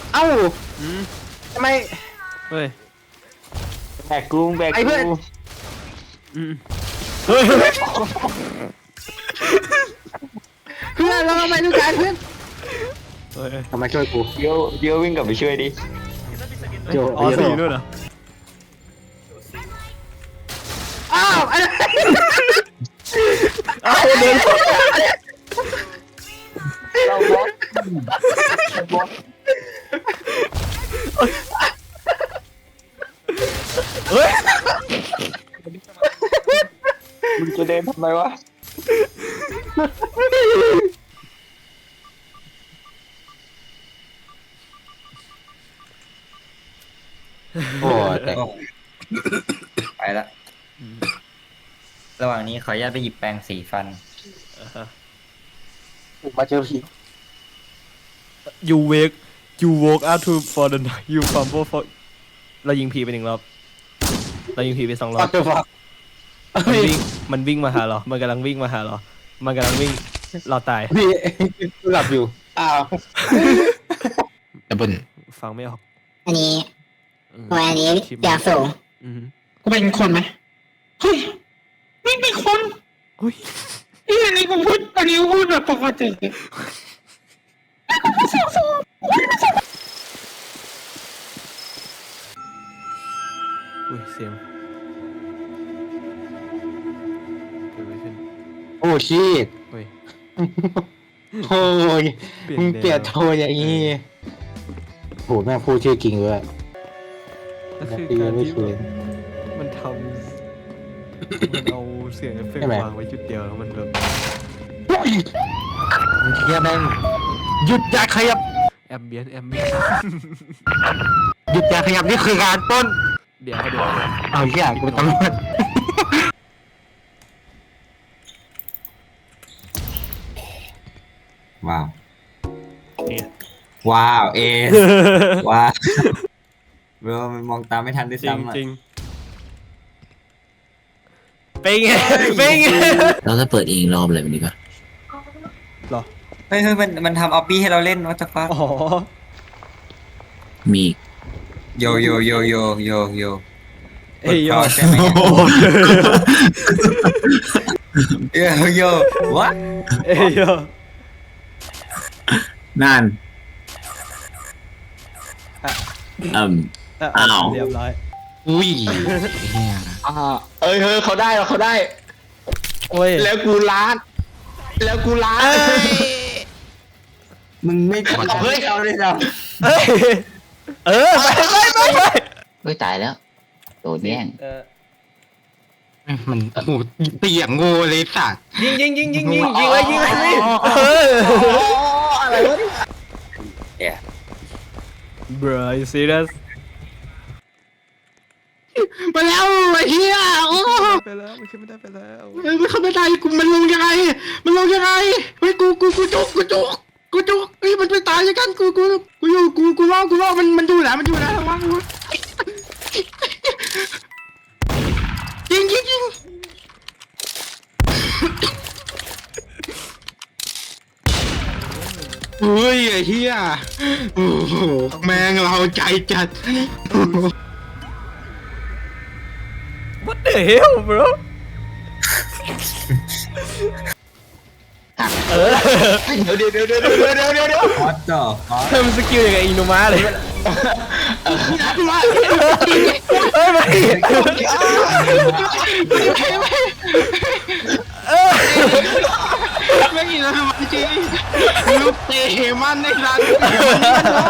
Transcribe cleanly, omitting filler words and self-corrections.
เอ้าอืมทำไมเฮ้ยแบกกูแบกไอ้เพื่อนกูอืมเฮ้ยเพื่อนเราทำไมทุกการเพื่อนเฮ้ยทำไมช่วยกูเดี๋ยววิ่งกลับไปช่วยดิโจอ๋อสี่ด้วยเหรออ้าวไอ้อ้าวเดินเราบล็อกบล็อกเฮ้ยมึงจะเดินทำไมวะโอ้แต่ไปละระหว่างนี้ขออนุญาตไปหยิบแปรงสีฟันมาเจอผี you wake you woke up to for the night you fumble for เรายิงผีไป1 รอบเรายิงผีไป2 รอบเจอฟังมันวิ่งมาหาเรา มันกำลังวิ่งมาหาเรา มันกำลังวิ่งเราตายพี่หลับอยู่อ้าวดับเบิ้ลฟังไม่ออกอันนี้อืมวันนี้คลิปอยากสูงอืมกูเป็นคนไหมเฮ้ยไม่เป็นคนเฮ้ยนี่อันนี้กูพูดอันนี้กูพูดแบบปกติอุ้ยเสียงเกิดอะไรขึ้นโอ้ชีตเฮ้ยโอ้ยเปลี่ยนมึงเปลี่ยนแนวโทนอย่างนี้โหแม่งพูดชื่อจริงด้วยก็คือตีการไม่ที่คืนมันทำมันเอาเสียงเอฟเฟกใช่ต์ไหมวางไว้จุดเดียวแล้วมันแบบมึงเทียแม่งหยุดอย่าขยับแอมเบียนหยุดอย่าขยับนี่คือการปล้นเดี๋ยวเอาเหี้ยกูเป็นตำรวจว้าวเนี่ยว้าวเอสว้าวเบลมันมองตามไม่ทันด้วยจริงซ้ำอ่ะจริงเป็นไงเป็นไงเราจะเปิดเองรอบอะไรแบบนี้ปะหรอเฮ้ยมันทำออปปี้ให้เราเล่นวัตฟักอ๋อมีอีกโยโยโยโยโยโยเอ้ยยอดใช่ไหมโยโยวะเอ้ยยอดนั่นอ่ะอ้าวเรียบร้อยอุ้ยเอ้ยเฮ้ยเขาได้เขาได้โอ้ยแล้วกูล้านแล้วกูล้านมึงไม่กดเฮ้ยเอาเลยเราเอ้ยไปเฮ้ยตายแล้วโดนแย่งมันโอ้โหเตียงงูเลยสัตว์ยิงเลยอะไรวะเนี่ย bro you serious มาแล้วไอ้เหี้ยโอ้ไปแล้วมันขึ้นไม่ได้ไปแล้วมันเข้าไม่ได้กูมันลงยังไงมันลงยังไงเฮ้ยกูจุกเฮ้ยมันไปตายยังกันกูอยู่กูรอมันอยู่แล้วระวังกูยิงเฮ้ยไอ้เหี้ยโอ้โหแม่งเราใจจัด what the hell bro เดี๋ยววัดจ่อเพิ่มสกิลยังไงอินุมาเลย เฮ้ยไม่ไม่กินแล้วจริงลูกเตะมันในร้าน